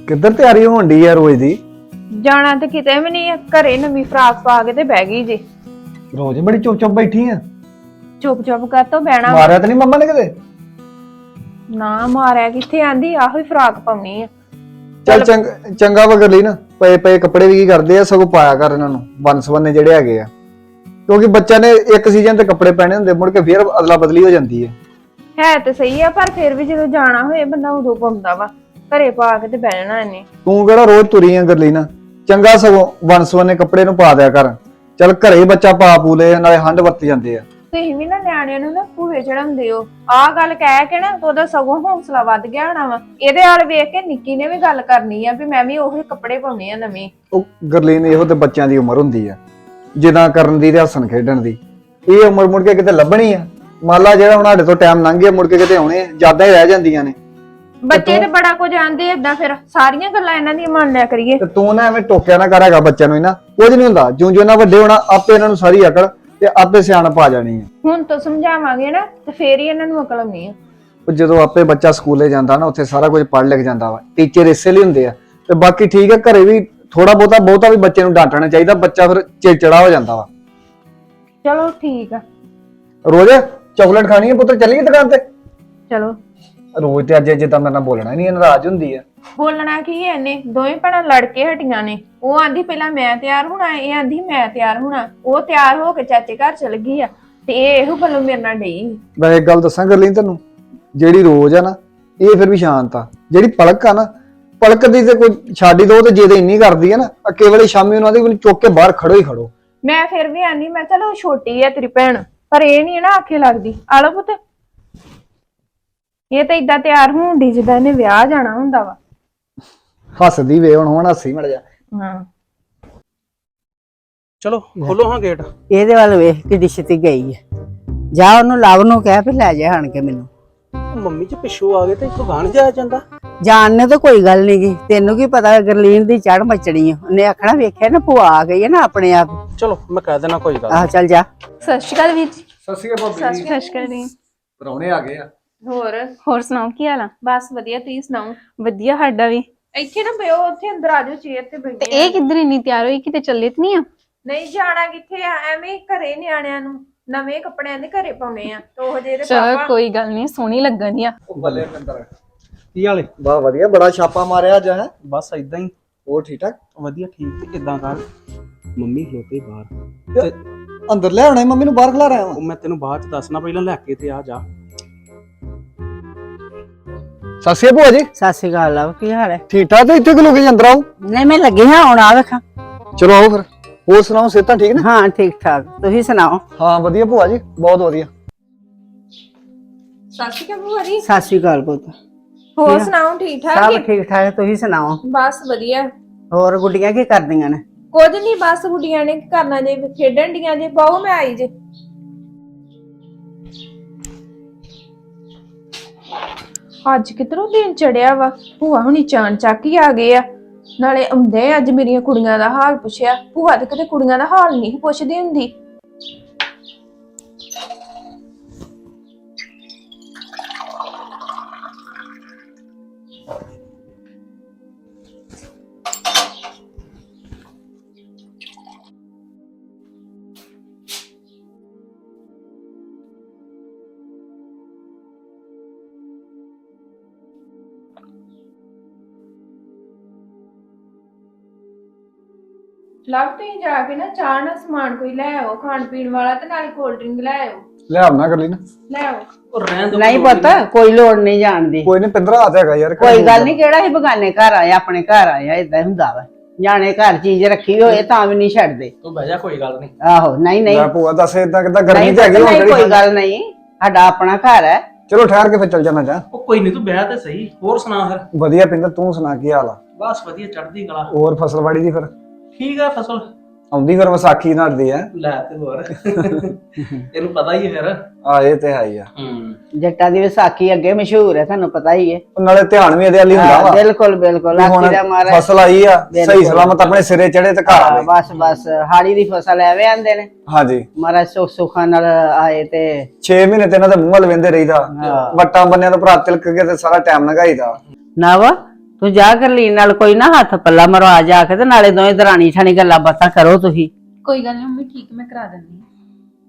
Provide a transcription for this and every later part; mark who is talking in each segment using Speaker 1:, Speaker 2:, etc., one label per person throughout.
Speaker 1: ਕਿੱਧਰ ਤਿਆਰੀ ਹੋਣ ਦੀ ਆ ਰੋਜ਼ ਦੀ?
Speaker 2: ਜਾਣਾ ਤੇ ਕਿਤੇ ਵੀ ਨਹੀਂ, ਘਰੇ ਨਵੀਂ ਫਰਾਕ ਪਾ ਕੇ ਤੇ ਬਹਿ ਗਈ ਜੀ।
Speaker 1: ਰੋਜ਼ ਬੜੀ ਚੁੱਪ ਚੁੱਪ ਬੈਠੀ ਆ।
Speaker 2: ਚੁੱਪ ਚੁੱਪ ਕਰ ਤੋਂ ਬਹਿਣਾ।
Speaker 1: ਮਾਰਿਆ ਤਾਂ ਨਹੀਂ ਮੰਮਾ ਨੇ ਕਿਤੇ?
Speaker 2: ਨਾ ਮਾਰਿਆ ਕਿੱਥੇ, ਆਂਦੀ ਆਹੋ ਹੀ ਫਰਾਕ ਪਾਉਣੀ ਆ।
Speaker 1: ਚੱਲ ਚੰਗਾ ਵਗਰ ਲਈ ਨਾ, ਪਏ ਪਏ ਕੱਪੜੇ ਵੀ ਕੀ ਕਰਦੇ ਆ, ਸਗੋਂ ਪਾਇਆ ਕਰ ਇਹਨਾਂ ਨੂੰ ਬੰਨ ਜਿਹੜੇ ਹੈਗੇ ਆ, ਕਿਉਂਕਿ ਬੱਚਾ ਨੇ ਇੱਕ ਸੀਜ਼ਨ ਤੇ ਕੱਪੜੇ ਪਹਿਨੇ ਹੁੰਦੇ, ਮੁੜ ਕੇ ਫੇਰ ਅਦਲਾ ਬਦਲੀ ਹੋ ਜਾਂਦੀ
Speaker 2: ਹੈ ਤੇ ਸਹੀ ਆ, ਪਰ ਫਿਰ ਵੀ ਜਦੋਂ ਜਾਣਾ ਹੋਏ ਬੰਦਾ ਉਦੋਂ ਪਾਉਂਦਾ ਵਾ, ਘਰੇ ਪਾ ਕੇ ਤੇ ਬਹਿਣਾ ਇਹਨੇ।
Speaker 1: ਤੂੰ ਕਿਹੜਾ ਰੋਜ਼ ਤੁਰੀ ਆ ਗਰਲੀ ਨਾ, ਚੰਗਾ ਸਗੋਂ ਬੰਨ ਕੱਪੜੇ ਨੂੰ ਪਾ ਦਿਆ ਕਰ। ਚੱਲ ਘਰੇ ਬੱਚਾ ਪਾ ਪੂ ਲੈ, ਨਾਲੇ ਹੰਡ ਵਰਤ ਜਾਂਦੇ ਆ।
Speaker 2: ਤੁਸੀਂ ਵੀ ਨਾ ਨਿਆਣਿਆਂ ਨੂੰ ਨਾ ਭੂਵੇ ਚੜਾਉਂਦੇ ਹੋ, ਆਹ ਗੱਲ ਕਹਿ ਕੇ ਨਾ ਉਹਦਾ ਸਗੋਂ ਹੌਸਲਾ ਵੱਧ ਗਿਆ ਹੋਣਾ ਵਾ। ਇਹਦੇ ਹਾਲ ਵੇਖ ਕੇ ਨਿੱਕੀ ਨੇ ਵੀ ਗੱਲ ਕਰਨੀ ਆ ਵੀ ਮੈਂ ਵੀ ਉਹੀ ਕੱਪੜੇ ਪਾਉਣੇ ਆ ਨਵੇਂ।
Speaker 1: ਉਹ ਗਰਲੀ ਨੇ ਇਹੋ ਤੇ ਬੱਚਿਆਂ ਦੀ ਉਮਰ ਹੁੰਦੀ ਆ, ਜਿੱਦਾਂ ਕਰਨ ਦੀ ਤੇ ਹੱਸਣ ਖੇਡਣ ਦੀ। ਇਹ ਉਮਰ ਮੁੜ ਕੇ ਕਿਤੇ ਲੱਭਣੀ ਆ? ਮੰਨ ਲਾ ਜਿਹੜਾ ਹੁਣ ਸਾਡੇ ਤੋਂ ਟਾਈਮ ਲੰਘ ਗਿਆ, ਮੁੜ ਕੇ ਕਿਤੇ ਆਉਣੇ ਯਾਦਾਂ ਹੀ ਰਹਿ ਜਾਂਦੀਆਂ ਨੇ।
Speaker 2: ਬੱਚੇ ਤੇ ਬੜਾ ਕੁਝ ਆਂਦੇ ਏਦਾਂ, ਫਿਰ ਸਾਰੀਆਂ ਗੱਲਾਂ ਇਹਨਾਂ ਦੀਆਂ ਮੰਨ ਲਿਆ ਕਰੀਏ।
Speaker 1: ਤੇ ਤੂੰ ਨਾ ਐਵੇਂ ਟੋਕਿਆ ਨਾ ਕਰਾਂਗਾ ਬੱਚਿਆਂ ਨੂੰ, ਇਹਨਾਂ ਕੁਝ ਨਹੀਂ ਹੁੰਦਾ। ਜਿਉਂ ਜਿਉਂ ਇਹਨਾਂ ਵੱਡੇ ਹੋਣਾ, ਆਪੇ ਇਹਨਾਂ ਨੂੰ ਸਾਰੀ ਅਕਲ ਤੇ ਆਪੇ ਸਿਆਣਪ ਆ ਜਾਣੀ ਆ।
Speaker 2: ਹੁਣ ਤੋਂ ਸਮਝਾਵਾਂਗੇ ਨਾ ਤੇ ਫੇਰ ਹੀ ਇਹਨਾਂ ਨੂੰ ਅਕਲ ਆਉਣੀ ਆ।
Speaker 1: ਉਹ ਜਦੋਂ ਆਪੇ ਬੱਚਾ ਸਕੂਲੇ ਜਾਂਦਾ ਨਾ, ਉੱਥੇ ਸਾਰਾ ਕੁਝ ਪੜ੍ਹ ਲਿਖ ਜਾਂਦਾ ਵਾ। ਟੀਚਰ ਇਸੇ ਲਈ ਹੁੰਦੇ ਆ। ਤੇ ਬਾਕੀ ਠੀਕ ਹੈ, ਘਰੇ ਵੀ ਥੋੜਾ ਬਹੁਤਾ ਵੀ ਬੱਚੇ ਨੂੰ ਡਾਂਟਣਾ ਚਾਹੀਦਾ, ਬੱਚਾ ਫਿਰ ਚਿੜਚਿੜਾ ਹੋ ਜਾਂਦਾ ਵਾ।
Speaker 2: ਚਲੋ ਠੀਕ ਆ।
Speaker 1: ਰੋਜ਼ ਚਾਕਲੇਟ ਖਾਣੀ ਹੈ ਪੁੱਤਰ, ਚੱਲੀਏ ਦੁਕਾਨ ਤੇ?
Speaker 2: ਚਲੋ।
Speaker 1: ਰੋਜ਼ ਤੇ ਅੱਜ ਜਿੱਦਾਂ ਮੇਰੇ ਨਾਲ ਬੋਲਣਾ ਨਹੀਂ, ਨਾਰਾਜ਼ ਹੁੰਦੀ ਆ।
Speaker 2: ਬੋਲਣਾ ਕੀ ਹੈ ਇਹਨੇ, ਦੋਵੇਂ ਭੈਣਾਂ ਲੜ ਕੇ ਹਟੀਆਂ ਨੇ। ਉਹ ਆਂਦੀ ਪਹਿਲਾਂ ਮੈਂ ਤਿਆਰ ਹੋਣਾ, ਇਹ ਆਂਦੀ ਮੈਂ ਤਿਆਰ ਹੋਣਾ। ਉਹ ਤਿਆਰ ਹੋ ਕੇ ਚਾਚੇ ਘਰ ਚਲ ਗਈ ਆ ਤੇ ਇਹ ਇਹੋ ਗੱਲੋਂ ਮੇਰੇ ਨਾਲ ਡਈ।
Speaker 1: ਮੈਂ ਇੱਕ ਗੱਲ ਦੱਸਾਂ ਕਰ ਲਈ ਤੈਨੂੰ, ਜਿਹੜੀ ਰੋਜ਼ ਆ ਨਾ, ਇਹ ਫਿਰ ਵੀ ਸ਼ਾਂਤ ਆ। ਜਿਹੜੀ ਪਲਕ ਆ ਨਾ, ਪਲਕ ਦੀ ਤੇ ਕੋਈ ਛਾੜੀ ਦੋ ਤੇ ਜੇ ਤੇ ਇੰਨੀ ਕਰਦੀ ਆ ਨਾ, ਕੇਵਲ ਸ਼ਾਮੀ ਉਹਨਾਂ ਦੀ ਚੁੱਕ ਕੇ ਬਾਹਰ ਖੜੋ ਹੀ ਖੜੋ।
Speaker 2: ਮੈਂ ਫਿਰ ਵੀ ਆਂਦੀ, ਮੈਂ ਚਲੋ ਛੋਟੀ ਆ ਤੇਰੀ ਭੈਣ, ਪਰ ਇਹ ਨਹੀਂ ਨਾ ਆਖੇ ਲੱਗਦੀ। ਆ ਲੋ ਪੁੱਤ, ਇਹ ਤਾਂ ਇਦਾਂ ਤਿਆਰ ਹੋਣ ਦੀ ਜਿੱਦਾਂ ਇਹਨੇ ਵਿਆਹ ਜਾਣਾ ਹੁੰਦਾ ਵਾ।
Speaker 1: ਹੱਸਦੀ ਵੇ ਹੁਣ ਹੱਸੀ ਮੜ ਜਾ।
Speaker 2: ਹਾਂ
Speaker 3: ਚਲੋ ਖੋਲੋ ਹਾਂ ਗੇਟ।
Speaker 4: ਇਹਦੇ ਵੱਲ ਵੇਖ ਕਿੱਡੀ ਛੇਤੀ ਗਈ ਹੈ। ਜਾ ਉਹਨੂੰ ਲਵ ਨੂੰ ਕਹਿ ਵੀ ਲੈ ਜਾ ਆਣ ਕੇ ਮੈਨੂੰ।
Speaker 3: ਮੰਮੀ ਜੀ ਪਿੱਛੋਂ ਆ ਗਏ ਤੇ ਇੱਥੋਂ ਗਾਣ ਜਾਇਆ ਜਾਂਦਾ।
Speaker 4: ਜਾਣ ਨੇ ਤਾਂ ਕੋਈ ਗੱਲ ਨੀ ਗੀ, ਤੈਨੂੰ ਕੀ ਪਤਾ ਗਰਲੀਨ ਦੀ ਚੜ ਮਚਣੀ ਆ। ਉਹਨੇ ਆਖਣਾ ਵੇਖਿਆ ਨਾ ਭੂਆ ਆ ਗਈ ਹੈ ਨਾ ਆਪਣੇ ਆਪ।
Speaker 3: ਚਲੋ ਮੈਂ ਕਹਿ ਦੇਣਾ ਕੋਈ ਗੱਲ।
Speaker 4: ਆਹ ਚੱਲ ਜਾ।
Speaker 5: ਸਤਿ ਸ਼੍ਰੀ ਅਕਾਲ ਵੀਰ ਜੀ।
Speaker 1: ਸਤਿ ਸ਼੍ਰੀ ਅਕਾਲ ਭਾਬੀ।
Speaker 5: ਸਤਿ ਸ਼੍ਰੀ ਅਕਾਲ।
Speaker 1: ਪਰੌਣੇ ਆ ਗਏ ਆ।
Speaker 5: ਹੋਰ ਸੁਣਾਓ ਕੀ ਹਾਲ ਆ?
Speaker 2: ਬਸ ਵਧੀਆ, ਤੁਸੀਂ ਸੁਣਾਓ?
Speaker 5: ਵਧੀਆ ਸਾਡਾ ਵੀ।
Speaker 2: ਇੱਥੇ ਨਾ ਬਿਓ, ਉੱਥੇ ਅੰਦਰ ਆ ਜਾਓ, ਚੇਅਰ ਤੇ
Speaker 5: ਤੇ
Speaker 2: ਬੈਠੇ।
Speaker 5: ਇਹ ਕਿੱਧਰ ਇੰਨੀ ਤਿਆਰ ਹੋਈ, ਕਿਤੇ ਚੱਲੇ ਤੇ ਨਹੀਂ ਆ?
Speaker 2: ਨਹੀਂ ਜਾਣਾ ਕਿੱਥੇ ਆ, ਐਵੇਂ ਹੀ ਘਰੇ ਨਿਆਣਿਆਂ ਨੂੰ ਨਵੇਂ ਕੱਪੜਿਆਂ ਦੇ ਘਰੇ ਪਾਉਣੇ ਆ। ਤੇ ਉਹ ਜਿਹੇ
Speaker 5: ਚਲੋ
Speaker 2: ਪਾਪਾ
Speaker 5: ਕੋਈ ਗੱਲ ਨਹੀਂ, ਸੋਹਣੀ ਲੱਗਣੀ ਆ।
Speaker 1: ਉਹ ਬੱਲੇ ਪਿੰਦਰ,
Speaker 3: ਕੀ ਹਾਲੇ?
Speaker 1: ਵਾਹ ਵਧੀਆ, ਬੜਾ ਛਾਪਾ ਮਾਰਿਆ ਅੱਜ ਹੈ।
Speaker 3: ਬਸ ਇਦਾਂ ਹੀ।
Speaker 1: ਹੋਰ ਠੀਕ ਠਾਕ?
Speaker 3: ਵਧੀਆ ਠੀਕ। ਤੇ ਇਦਾਂ ਕਰ, ਮੰਮੀ ਖਲੋਤੇ ਬਾਹਰ ਤੇ
Speaker 1: ਅੰਦਰ ਲੈ ਆਉਣਾ ਮੰਮੀ ਨੂੰ, ਬਾਹਰ ਖਲਾ ਰਿਹਾ
Speaker 3: ਉਹ ਮੈਂ ਤੈਨੂੰ ਬਾਅਦ ਚ ਦੱਸਣਾ, ਪਹਿਲਾਂ ਲੈ ਕੇ ਤੇ ਆ ਜਾ।
Speaker 1: ਸਤਿ ਸ਼੍ਰੀ ਅਕਾਲ ਭੂਆ ਜੀ।
Speaker 4: ਸਤਿ ਸ਼੍ਰੀ ਅਕਾਲ ਲਵ, ਕੀ ਹਾਲ ਹੈ?
Speaker 1: ਠੀਕ ਠਾਕ? ਤੇ ਇੱਥੇ ਕਿ ਲੋਕੀ ਅੰਦਰ ਆਓ।
Speaker 4: ਨਹੀਂ ਮੈਂ ਲੱਗੀ ਹਾਂ ਹੁਣ, ਆ ਵੇਖਾਂ।
Speaker 1: ਚਲੋ ਆਓ ਫਿਰ। ਹੋਰ ਸੁਣਾਓ, ਸਿਹਤਾਂ ਠੀਕ ਨੇ?
Speaker 4: ਹਾਂ ਠੀਕ ਠਾਕ, ਤੁਸੀਂ ਸੁਣਾਓ?
Speaker 1: ਹਾਂ ਵਧੀਆ ਭੂਆ ਜੀ, ਬਹੁਤ ਵਧੀਆ।
Speaker 2: ਸਤਿ ਸ਼੍ਰੀ ਅਕਾਲ ਭੂਆ ਜੀ।
Speaker 4: ਸਤਿ ਸ਼੍ਰੀ ਅਕਾਲ ਪੁੱਤ।
Speaker 2: ਹੋਰ ਸੁਣਾਓ, ਠੀਕ ਠਾਕ
Speaker 4: ਸਭ
Speaker 2: ਜੀ?
Speaker 4: ਠੀਕ ਠਾਕ, ਤੁਸੀਂ ਸੁਣਾਓ?
Speaker 2: ਬਸ ਵਧੀਆ।
Speaker 4: ਹੋਰ ਗੁੱਡੀਆਂ ਕੀ ਕਰਦੀਆਂ ਨੇ?
Speaker 2: ਕੁਝ ਨਹੀਂ, ਬਸ ਗੁੱਡੀਆਂ ਨੇ ਕੀ ਕਰਨਾ ਜੇ, ਖੇਡਣ ਡੀਆਂ ਜੇ। ਬਹੁ ਮੈਂ ਆਈ ਜੇ। ਅੱਜ ਕਿਧਰੋਂ ਦਿਨ ਚੜਿਆ ਵਾ, ਭੂਆ ਹੁਣੀ ਚਾਣ ਚੱਕ ਹੀ ਆ ਗਏ ਆ। ਨਾਲੇ ਆਉਂਦੇ ਅੱਜ ਮੇਰੀਆਂ ਕੁੜੀਆਂ ਦਾ ਹਾਲ ਪੁੱਛਿਆ। ਭੂਆ ਤੇ ਕਦੇ ਕੁੜੀਆਂ ਦਾ ਹਾਲ ਨਹੀਂ ਪੁੱਛਦੀ ਹੁੰਦੀ। ਲਵ ਤੁਸੀਂ ਜਾ ਕੇ ਨਾ ਚਾਹ ਨਾਲ ਸਮਾਨ ਕੋਈ ਲੈ ਆਓ, ਖਾਣ ਪੀਣ ਵਾਲਾ, ਤੇ ਨਾਲੇ ਕੋਲਡ ਡਰਿੰਕ ਲੈ ਆਓ।
Speaker 1: ਲੈ ਆਉਣਾ ਕਰ ਲਈ ਨਾ।
Speaker 2: ਲੈ ਆਓ।
Speaker 3: ਉਹ ਰਹਿਣ ਦੋ।
Speaker 4: ਨਹੀਂ ਪੁੱਤ, ਕੋਈ ਲੋੜ ਨਹੀਂ ਜਾਣ ਦੀ।
Speaker 1: ਕੋਈ ਨਹੀਂ, ਪਿੰਦਰਾ ਹੱਥ ਹੈਗਾ ਯਾਰ।
Speaker 4: ਕੋਈ ਗੱਲ ਨਹੀਂ, ਕਿਹੜਾ ਹੀ ਬਗਾਨੇ ਘਰ ਆਇਆ, ਆਪਣੇ ਘਰ ਆਇਆ, ਏਦਾਂ ਹੁੰਦਾ ਵਾ। ਜਾਣੇ ਘਰ ਚੀਜ਼ ਰੱਖੀ ਹੋਏ ਤਾਂ ਵੀ ਨਹੀਂ ਛੱਡਦੇ।
Speaker 3: ਤੂੰ ਬਹਿ ਜਾ, ਕੋਈ ਗੱਲ ਨਹੀਂ।
Speaker 4: ਆਹੋ ਨਹੀਂ ਨਹੀਂ
Speaker 1: ਲੈ ਭੂਆ ਦੱਸ, ਇਦਾਂ ਕਿਦਾਂ ਗਰਮੀ
Speaker 4: ਨਹੀਂ
Speaker 1: ਚ ਹੈਗੀ ਹੁਣ
Speaker 4: ਨਹੀਂ,
Speaker 1: ਕਿਹੜੀ
Speaker 4: ਕੋਈ
Speaker 1: ਠੰਡ?
Speaker 4: ਗੱਲ ਨਹੀਂ, ਸਾਡਾ ਆਪਣਾ ਘਰ ਹੈ।
Speaker 1: ਚਲੋ ਠਹਿਰ ਕੇ ਫਿਰ ਚੱਲ ਜਾਣਾ ਜਾ।
Speaker 3: ਉਹ ਕੋਈ ਨਹੀਂ, ਤੂੰ ਬਹਿ ਤੇ ਸਹੀ। ਹੋਰ ਸੁਣਾ ਫਿਰ?
Speaker 1: ਵਧੀਆ ਪਿੰਦਰ, ਤੂੰ ਸੁਣਾ ਕੀ ਹਾਲ ਆ?
Speaker 3: ਬਸ ਵਧੀਆ, ਚੜ੍ਹਦੀ ਕਲਾ।
Speaker 1: ਹੋਰ ਫਸਲਵਾੜੀ ਦੀ ਫਿਰ
Speaker 3: ਠੀਕ ਆ ਫਸਲ।
Speaker 1: ਆਉਂਦੀ ਫਿਰ ਵਿਸਾਖੀ ਨੜਦੀ ਆ।
Speaker 3: ਲੈ ਤੇ ਹੋਰ ਇਹਨੂੰ ਪਤਾ ਹੀ ਹੈ ਫਿਰ।
Speaker 1: ਆ ਇਹ ਤੇ ਹੈ ਹੀ ਆ।
Speaker 4: ਜੱਟਾਂ ਦੀ ਵਿਸਾਖੀ ਅੱਗੇ ਮਸ਼ਹੂਰ ਹੈ, ਤੁਹਾਨੂੰ ਪਤਾ ਹੀ ਹੈ।
Speaker 1: ਨਾਲੇ ਧਿਆਨ ਵੀ ਇਹਦੇ ਵਾਲੀ ਹੁੰਦਾ ਵਾ।
Speaker 4: ਬਿਲਕੁਲ ਬਿਲਕੁਲ, ਆਖੀ ਦਾ ਮਾਰਾ
Speaker 1: ਫਸਲ ਆਈ ਆ, ਸਹੀ ਸਲਾਮਤ ਆਪਣੇ ਸਿਰੇ ਚੜੇ ਤੇ ਘਰ ਆਵੇ।
Speaker 4: ਬਸ ਬਸ, ਹਾੜੀ ਦੀ ਫਸਲ ਐਵੇਂ ਆਂਦੇ ਨੇ।
Speaker 1: ਹਾਂਜੀ
Speaker 4: ਮਹਾਰਾਜ ਸੁੱਖ ਸੁੱਖਾਂ ਨਾਲ ਆਏ ਤੇ
Speaker 1: 6 ਮਹੀਨੇ ਤੇ ਇਹਨਾਂ ਦੇ ਮੂੰਹ ਵੱਲ ਵੇਂਦੇ ਰਹੀਦਾ। ਵੱਟਾਂ ਬੰਨਿਆਂ ਤੋਂ ਭਰਾ ਤਿਲਕ ਕੇ ਤੇ ਸਾਰਾ ਟਾਈਮ ਲੰਘਾਈਦਾ।
Speaker 4: ਨਵ ਤੂੰ ਜਾ ਗਰਲੀਨ ਨਾਲ ਕੋਈ ਨਾ ਹੱਥ ਪੱਲਾ ਮਰਵਾ ਜਾ ਕੇ ਤੇ ਨਾਲੇ ਦੋਵੇਂ ਦਰਾਣੀ ਠਾਣੀ ਗੱਲਾਂ ਬਾਤਾਂ ਕਰੋ ਤੁਸੀਂ।
Speaker 5: ਕੋਈ ਗੱਲ ਨਹੀਂ ਮੰਮੀ, ਠੀਕ ਮੈਂ ਕਰਾ ਦਿੰਦੀ ਹਾਂ।